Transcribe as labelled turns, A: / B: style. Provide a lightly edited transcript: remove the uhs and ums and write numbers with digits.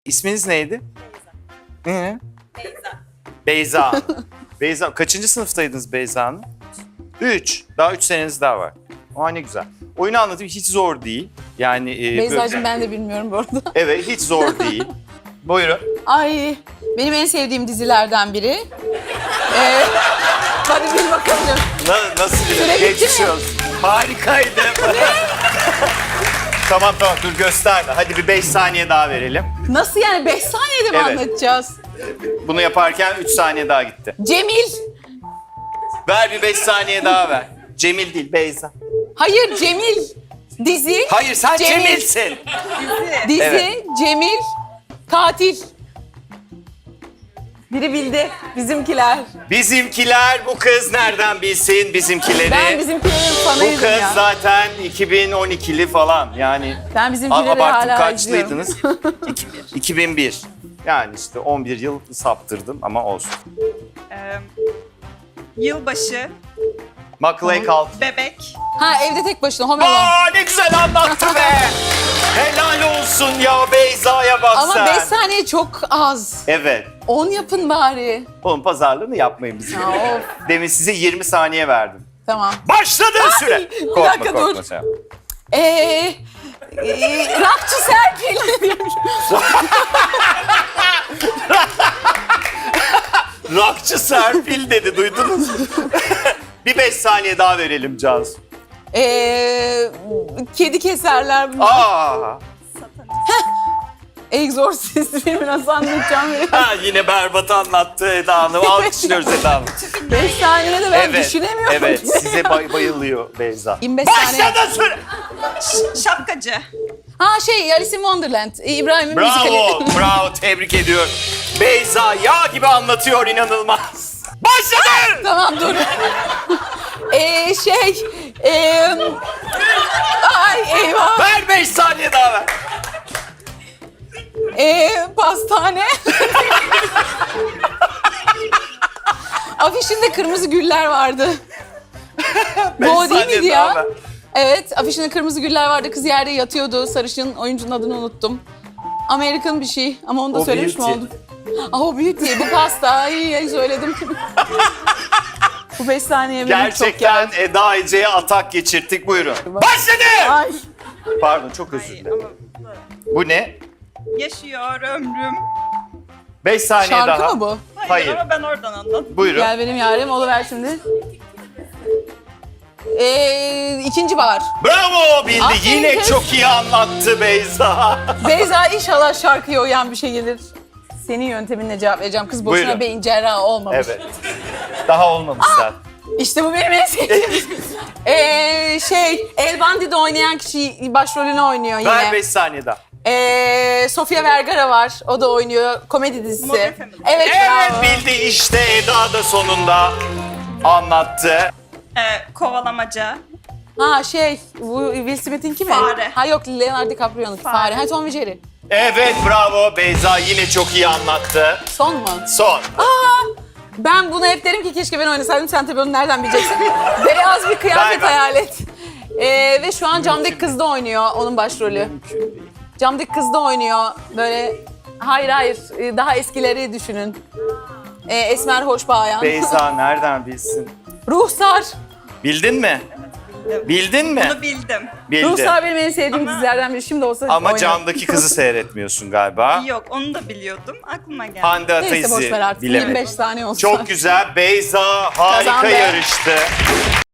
A: İsminiz neydi?
B: Beyza.
A: Beyza. Beyza. Kaçıncı sınıftaydınız Beyza Hanım? 3. Daha 3 seneniz daha var. Aa ne güzel. Oyunu anlatayım, hiç zor değil. Yani
B: Beyza'cığım ben de bilmiyorum bu arada.
A: Evet, hiç zor değil. Buyurun.
B: Ay benim en sevdiğim dizilerden biri. Hadi bil bakalım.
A: Nasıl
B: Süre
A: bir
B: bitti mi?
A: Harikaydı. Tamam dur gösterme. Hadi bir 5 saniye daha verelim.
B: Nasıl yani 5 saniyede mi
A: Evet.
B: anlatacağız?
A: Bunu yaparken 3 saniye daha gitti.
B: Cemil.
A: Ver bir 5 saniye daha ver. Cemil değil, Beyza.
B: Hayır Cemil. Dizi.
A: Hayır sen
B: Cemil.
A: Cemil'sin.
B: Dizi.
A: Evet.
B: Cemil. Katil. Biri bildi. Bizimkiler.
A: Bizimkiler, bu kız nereden bilsin bizimkileri?
B: Ben bizimkilerin
A: Bu
B: fanıydım
A: kız
B: ya.
A: zaten 2012'li falan yani.
B: Ben bizimkileri
A: Abarttım,
B: hala izliyorum.
A: kaçlıydınız? 2001. Yani işte 11 yıl saptırdım ama olsun.
C: Yılbaşı,
A: Macaulay Culkin.
C: bebek,
B: Ha evde tek başına Home Alone.
A: Aa ne güzel anlattı be. Helal olsun ya, Beyza'ya bak
B: Ama
A: sen.
B: 5 saniye çok az.
A: Evet.
B: 10 yapın bari.
A: Oğlum pazarlığını yapmayın bizim.
B: Ya, of.
A: Demin size 20 saniye verdim.
B: Tamam.
A: Başladı süre.
B: bir
A: Korkma
B: dakika,
A: korkma
B: dur.
A: sen.
B: Rakçı Serpil.
A: Rockçı Serpil dedi, duydunuz mu? Bir 5 saniye daha verelim Cansu.
B: Kedi keserler.
A: Aa,
B: Exorcist filmi nasıl anlatacağım?
A: ha, yine berbat anlattı Eda Hanım. Alkışlıyoruz Eda Hanım.
B: 5 saniyede ben
A: Evet,
B: düşünemiyorum.
A: evet. Size bayılıyor Beyza.
B: 25 saniye.
A: Başladı süre.
C: şapkacı,
B: Ha Alice in Wonderland. İbrahim'in müzikali.
A: Bravo, bravo. Tebrik ediyorum. Beyza yağ gibi anlatıyor, inanılmaz. Başladı.
B: Tamam dur. Ay eyvah.
A: Ver 5 saniye daha ver.
B: Pastane. Afişinde kırmızı güller vardı.
A: Beş
B: Bu o değil
A: saniye
B: miydi
A: daha
B: ya?
A: ver.
B: Evet, afişinde kırmızı güller vardı. Kız yerde yatıyordu. Sarışın oyuncunun adını unuttum. American bir şey ama onu da
A: O
B: söylemiş mi
A: Beauty.
B: oldum? O Beauty, bu pasta. Ay söyledim. Bu 5 saniye benim çok
A: Gerçekten
B: geldi.
A: Eda Ece'ye atak geçirttik. Buyurun. Başladı.
B: Ay.
A: Pardon, çok özür dilerim.
C: ama
A: Bu ne?
C: yaşıyor ömrüm.
A: 5 saniye
B: Şarkı
A: daha.
B: mı bu?
C: Hayır,
A: Hayır.
C: ama ben oradan anladım.
A: Buyurun.
B: Gel benim yarim, oluver şimdi. İkinci bahar.
A: Bravo, bildi.
B: Aferin
A: Yine
B: kız.
A: çok iyi anlattı Beyza.
B: Beyza inşallah şarkıya uyan bir şey gelir. Senin yönteminle cevap vereceğim. Kız boşuna
A: Buyurun.
B: beyin cerrahı olmamış.
A: Evet. Daha olmamış zaten.
B: İşte bu benim en sevdiğim. El Bandi'de oynayan kişi başrolünü oynuyor yine.
A: Ver 5 saniye daha.
B: Sofia Vergara var. O da oynuyor. Komedi dizisi.
C: Modern Family.
B: Evet,
A: Evet,
B: bravo.
A: bildi işte, Eda da sonunda anlattı.
C: Kovalamaca,
B: Ha bu Will Smith'inki mi?
C: Fare.
B: Ha yok, Leonardo DiCaprio'nunki. Fare. Ha Tom ve Jerry.
A: Evet, bravo. Beyza yine çok iyi anlattı.
B: Son mu?
A: Son.
B: Ben bunu hep derim ki keşke ben oynasaydım. Sen tabii onu nereden bileceksin? Beyaz bir kıyafet
A: Ver.
B: hayal et. Ve şu an Camdaki Kız'da oynuyor onun başrolü. Camdaki Kız'da oynuyor. Böyle hayır daha eskileri düşünün. Esmer hoş bayan.
A: Beyza nereden bilsin?
B: Ruhsar.
A: Bildin mi?
C: bildim.
A: Bildin mi?
C: Bunu bildim.
A: Bildi.
B: Ruhsar benim en sevdiğim dizilerden biri. Şimdi olsa
A: Ama
B: oynarım.
A: Camdaki Kızı seyretmiyorsun galiba.
C: Yok, onu da biliyordum. Aklıma geldi.
A: Hande
B: Neyse boş ver
A: Ataizi
B: artık.
A: bilemedi.
B: 25 saniye olsun.
A: Çok güzel. Beyza harika
B: Kazandı.
A: yarıştı.